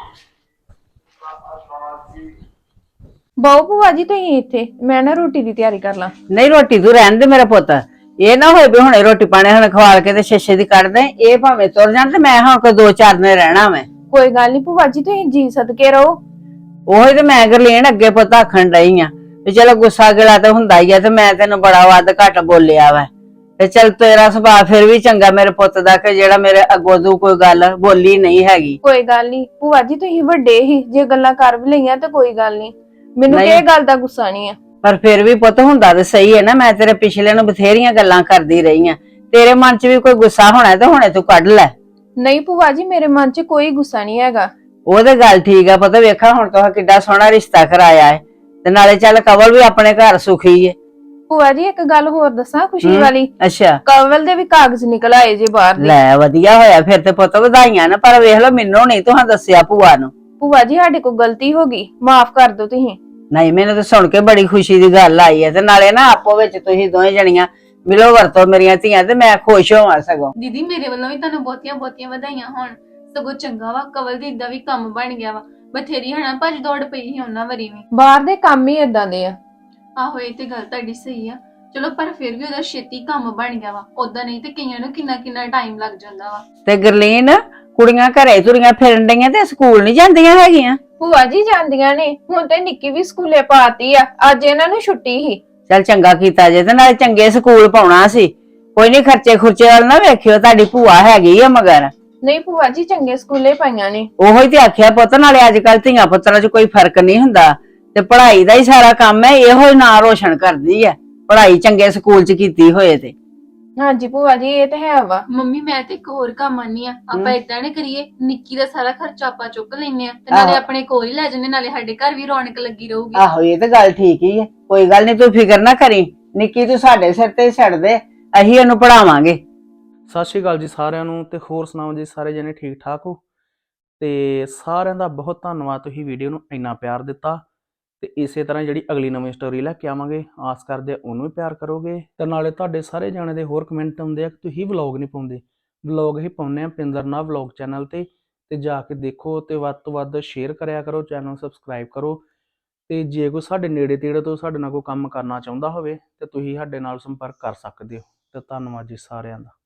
Speaker 2: ਬਹੁ ਭੂਆ ਜੀ ਤੁਸੀਂ ਇੱਥੇ, ਮੈਂ ਨਾ ਰੋਟੀ ਦੀ ਤਿਆਰੀ ਕਰ ਲਾਂ।
Speaker 4: ਨਹੀਂ ਰੋਟੀ ਤੂੰ ਰਹਿਣ ਦੇ ਮੇਰਾ ਪੁੱਤ, ਇਹ ਨਾ ਹੋਏ ਵੀ ਹੁਣੇ ਰੋਟੀ ਪਾਣੀ ਹੁਣ ਖਵਾਲ ਕੇ ਤੇ ਛੇਛੇ ਦੀ ਕੱਢ ਦੇ। ਇਹ ਭਾਵੇਂ ਤੁਰ ਜਾਣ ਤੇ ਮੈਂ ਹੁਣ ਕੋਈ 2-4 ਦਿਨ ਰਹਿਣਾ ਮੈਂ।
Speaker 2: ਕੋਈ ਗੱਲ ਨਹੀਂ ਭੂਆ ਜੀ, ਤੁਸੀਂ ਜੀ ਸਦਕੇ ਰਹੋ।
Speaker 4: ਉਹੀ ਤੇ ਮੈਂ ਗਰਲੀਨ ਅੱਗੇ ਪੁੱਤ ਆਖਣ ਡਈ ਆ ਵੀ ਚਲੋ ਗੁੱਸਾ ਗਿਲਾ ਤਾਂ ਹੁੰਦਾ ਹੀ ਆ, ਤੇ ਮੈਂ ਤੈਨੂੰ ਬੜਾ ਵੱਧ ਘੱਟ ਬੋਲਿਆ ਵਾ। ਤੇ ਚੱਲ ਤੇਰਾ ਸੁਭਾਅ ਫਿਰ ਵੀ ਚੰਗਾ ਮੇਰੇ ਪੁੱਤ ਦਾ, ਕਿ ਜਿਹੜਾ ਮੇਰੇ ਅੱਗੋਂ ਤੋਂ ਕੋਈ ਗੱਲ ਬੋਲੀ ਨਹੀਂ ਹੈਗੀ।
Speaker 2: ਕੋਈ ਗੱਲ ਨਹੀਂ ਭੂਆ ਜੀ, ਤੁਸੀਂ ਵੱਡੇ ਹੀ, ਜੇ ਗੱਲਾਂ ਕਰ ਵੀ ਲਈਆਂ ਤਾਂ ਕੋਈ ਗੱਲ ਨਹੀਂ, ਮੈਨੂੰ
Speaker 4: ਨਹੀਂ।
Speaker 2: ਇਹ ਗੱਲ ਦਾ ਗੁੱਸਾ ਨਹੀਂ ਆ।
Speaker 4: ਪਰ ਫਿਰ ਵੀ ਪੁੱਤ ਹੁੰਦਾ ਤਾਂ ਸਹੀ ਹੈ ਨਾ, ਮੈਂ ਤੇਰੇ ਪਿਛਲੇ ਨੂੰ ਬਥੇਰੀਆਂ ਗੱਲਾਂ ਕਰਦੀ ਰਹੀ ਆ, ਤੇਰੇ ਮਨ 'ਚ ਵੀ ਕੋਈ ਗੁੱਸਾ ਹੋਣਾ ਤੇ ਹੁਣੇ ਤੂੰ ਕੱਢ ਲੈ।
Speaker 2: ਨਹੀਂ ਭੂਆ ਜੀ, ਮੇਰੇ ਮਨ 'ਚ ਕੋਈ ਗੁੱਸਾ ਨਹੀਂ ਹੈਗਾ।
Speaker 4: ਉਹ ਤੇ ਗੱਲ ਠੀਕ ਆ ਪੁੱਤ, ਵੇਖਾ ਹੁਣ ਤੂੰ ਕਿੱਡਾ ਸੋਹਣਾ ਰਿਸ਼ਤਾ ਕਰਾਇਆ ਹੈ, ਤੇ ਨਾਲੇ ਚੱਲ ਕਵਲ ਵੀ ਆਪਣੇ ਘਰ ਸੁਖੀ ਏ।
Speaker 2: ਭੂਆ ਜੀ ਇੱਕ ਗੱਲ ਹੋਰ ਦੱਸਾਂ ਖੁਸ਼ੀ ਵਾਲੀ,
Speaker 4: ਅੱਛਾ।
Speaker 2: ਕਵਲ ਦੇ ਵੀ ਕਾਗਜ਼ ਨਿਕਲ ਆਏ ਜੇ ਬਾਹਰ ਦੇ।
Speaker 4: ਲੈ ਵਧੀਆ ਹੋਇਆ ਫਿਰ ਤੇ ਪੁੱਤ, ਵਧਾਈਆਂ ਨਾ। ਪਰ ਵੇਖ ਲਓ ਮੈਨੂੰ ਨਹੀਂ ਤੁਹਾਂ ਦੱਸਿਆ ਭੂਆ ਨੂੰ।
Speaker 2: ਭੂਆ ਜੀ ਸਾਡੇ ਕੋਲ ਗਲਤੀ ਹੋ ਗਈ, ਮਾਫ ਕਰ ਦਿਓ ਤੁਸੀਂ।
Speaker 4: ਨਹੀਂ ਮੈਨੂੰ ਤਾਂ ਸੁਣ ਕੇ ਬੜੀ ਖੁਸ਼ੀ ਦੀ ਗੱਲ ਆਈ ਹੈ, ਤੇ ਨਾਲੇ ਨਾ ਆਪੋ ਵਿੱਚ ਤੁਸੀਂ ਦੋਵੇਂ ਜਣੀਆਂ ਮਿਲੋ ਵਰਤੋ ਮੇਰੀਆਂ ਧੀਆਂ, ਤੇ ਮੈਂ ਖੁਸ਼ ਹੋਵਾਂ ਸਗੋਂ।
Speaker 5: ਦੀਦੀ ਮੇਰੇ ਵੱਲੋਂ ਵੀ ਤੁਹਾਨੂੰ ਬਹੁਤੀਆਂ ਬਹੁਤੀਆਂ ਵਧਾਈਆਂ ਹੋਣ। ਸਗੋਂ ਚੰਗਾ ਵਾ ਕਵਲ ਦੀ ਇਦਾਂ ਵੀ ਕੰਮ ਬਣ ਗਿਆ ਵਾ ਬਥੇਰੀ ਹਨਾ ਭੱਜ ਦੌੜ ਪਈ ਸੀ ਉਹਨਾਂ ਵਾਰੀ ਵੀ।
Speaker 2: ਬਾਹਰ ਦੇ ਕੰਮ ਹੀ ਇਦਾਂ ਦੇ ਆ।
Speaker 5: ਆਹੋ ਇਹ ਤੇ ਗੱਲ ਤੁਹਾਡੀ ਸਹੀ ਆ। ਚਲੋ ਪਰ ਫਿਰ ਵੀ ਉਹਦਾ ਛੇਤੀ ਕੰਮ ਬਣ ਗਿਆ ਵਾ, ਉਦਾਂ ਨਹੀਂ ਤੇ ਕਈਆਂ ਨੂੰ ਕਿੰਨਾ ਕਿੰਨਾ ਟਾਈਮ ਲੱਗ ਜਾਂਦਾ ਵਾ।
Speaker 4: ਤੇ ਗਰਲੀਨ, ਕੁੜੀਆਂ ਘਰੇ ਤੁਰੀਆਂ ਫਿਰਨ ਡਈਆਂ ਤੇ ਸਕੂਲ ਨਹੀਂ ਜਾਂਦੀਆਂ ਹੈਗੀਆਂ?
Speaker 2: ਭੂਆ ਜੀ ਜਾਂਦੀਆਂ ਨੇ, ਹੁਣ ਤੇ ਨਿੱਕੀ ਵੀ ਸਕੂਲੇ ਪਾਤੀ ਆ, ਅੱਜ ਇਹਨਾਂ ਨੂੰ ਛੁੱਟੀ ਸੀ।
Speaker 4: ਚੱਲ ਚੰਗਾ ਕੀਤਾ ਜੇ, ਤੇ ਨਾਲੇ ਚੰਗੇ ਸਕੂਲ ਪਾਉਣਾ ਸੀ। ਕੋਈ ਨਹੀਂ, ਖਰਚੇ ਖੁਰਚੇ ਵਾਲ ਨਾ ਵੇਖਿਓ, ਤੁਹਾਡੀ ਭੂਆ ਹੈਗੀ ਆ ਮਗਰ।
Speaker 2: ਨਹੀਂ ਭੂਆ ਜੀ ਚੰਗੇ ਸਕੂਲੇ ਪਾਈਆਂ ਨੇ।
Speaker 4: ਉਹੋ ਹੀ ਤੇ ਆਖਿਆ ਪੁੱਤ, ਨਾਲੇ ਅੱਜ ਕੱਲ ਧੀਆਂ ਪੁੱਤਰਾਂ 'ਚ ਕੋਈ ਫਰਕ ਨਹੀਂ ਹੁੰਦਾ, ਤੇ ਪੜ੍ਹਾਈ ਦਾ ਹੀ ਸਾਰਾ ਕੰਮ ਹੈ, ਇਹੋ ਹੀ ਨਾਂ ਰੋਸ਼ਨ ਕਰਦੀ ਹੈ, ਪੜ੍ਹਾਈ ਚੰਗੇ ਸਕੂਲ 'ਚ ਕੀਤੀ ਹੋਏ ਤੇ।
Speaker 2: ਹਾਂਜੀ ਭੂਆ ਜੀ ਇਹ ਤੇ ਹੈ ਵਾ।
Speaker 5: ਮੰਮੀ ਮੈਂ ਤੇ ਇੱਕ ਹੋਰ ਕੰਮ ਆਨੀ ਆ, ਆਪਾਂ ਏਦਾਂ ਨੇ ਕਰੀਏ, ਨਿੱਕੀ ਦਾ ਸਾਰਾ ਖਰਚਾ ਆਪਾਂ ਚੁੱਕ ਲੈਨੇ ਆ ਤੇ ਨਾਲੇ ਆਪਣੇ ਕੋਲ ਹੀ ਲੈ ਜੰਨੇ, ਨਾਲੇ ਸਾਡੇ ਘਰ ਵੀ ਰੌਣਕ ਲੱਗੀ ਰਹੂਗੀ।
Speaker 4: ਆਹੋ ਇਹ ਤੇ ਗੱਲ ਠੀਕ ਹੀ ਹੈ, ਕੋਈ ਗੱਲ ਨਹੀਂ, ਤੂੰ ਫਿਕਰ ਨਾ ਕਰੀ, ਨਿੱਕੀ ਤੂੰ ਸਾਡੇ ਸਿਰ ਤੇ ਛੱਡ ਦੇ, ਅਸੀਂ ਉਹਨੂੰ ਪੜਾਵਾਂਗੇ।
Speaker 3: ਸਤਿ ਸ਼੍ਰੀ ਅਕਾਲ ਜੀ ਸਾਰਿਆਂ ਨੂੰ, ਤੇ ਹੋਰ ਸੁਣਾਓ ਜੀ, ਸਾਰੇ ਜਣੇ ਠੀਕ ਠਾਕ ਹੋ? ਤੇ ਸਾਰਿਆਂ ਦਾ ਬਹੁਤ ਧੰਨਵਾਦ, ਤੁਸੀਂ ਵੀਡੀਓ ਨੂੰ ਇੰਨਾ ਪਿਆਰ ਦਿੱਤਾ। ਤੇ ਇਸੇ ਤਰ੍ਹਾਂ ਜਿਹੜੀ ਅਗਲੀ ਨਵੀਂ ਸਟੋਰੀ ਲੈ ਕੇ ਆਵਾਂਗੇ, ਆਸ ਕਰਦੇ ਆ ਉਹਨੂੰ ਵੀ ਪਿਆਰ ਕਰੋਗੇ। ਤੇ ਨਾਲੇ ਤੁਹਾਡੇ ਸਾਰੇ ਜਾਣੇ ਦੇ ਹੋਰ ਕਮੈਂਟ ਆਉਂਦੇ ਆ ਕਿ ਤੁਸੀਂ ਵਲੌਗ ਨਹੀਂ ਪਾਉਂਦੇ। ਵਲੌਗ ਹੀ ਪਾਉਂਦੇ ਆ ਪਿੰਦਰ ਨਾਥ ਵਲੌਗ ਚੈਨਲ ਤੇ ਜਾ ਕੇ ਦੇਖੋ, ਤੇ ਵੱਧ ਤੋਂ ਵੱਧ ਸ਼ੇਅਰ ਕਰਿਆ ਕਰੋ, ਚੈਨਲ ਸਬਸਕ੍ਰਾਈਬ ਕਰੋ। ਤੇ ਜੇ ਕੋਈ ਸਾਡੇ ਨੇੜੇ ਤੇੜੇ ਤੋਂ ਸਾਡੇ ਨਾਲ ਕੋਈ ਕੰਮ ਕਰਨਾ ਚਾਹੁੰਦਾ ਹੋਵੇ ਤੇ ਤੁਸੀਂ ਸਾਡੇ ਨਾਲ ਸੰਪਰਕ ਕਰ ਸਕਦੇ ਹੋ। ਤੇ ਧੰਨਵਾਦ ਜੀ ਸਾਰਿਆਂ ਦਾ।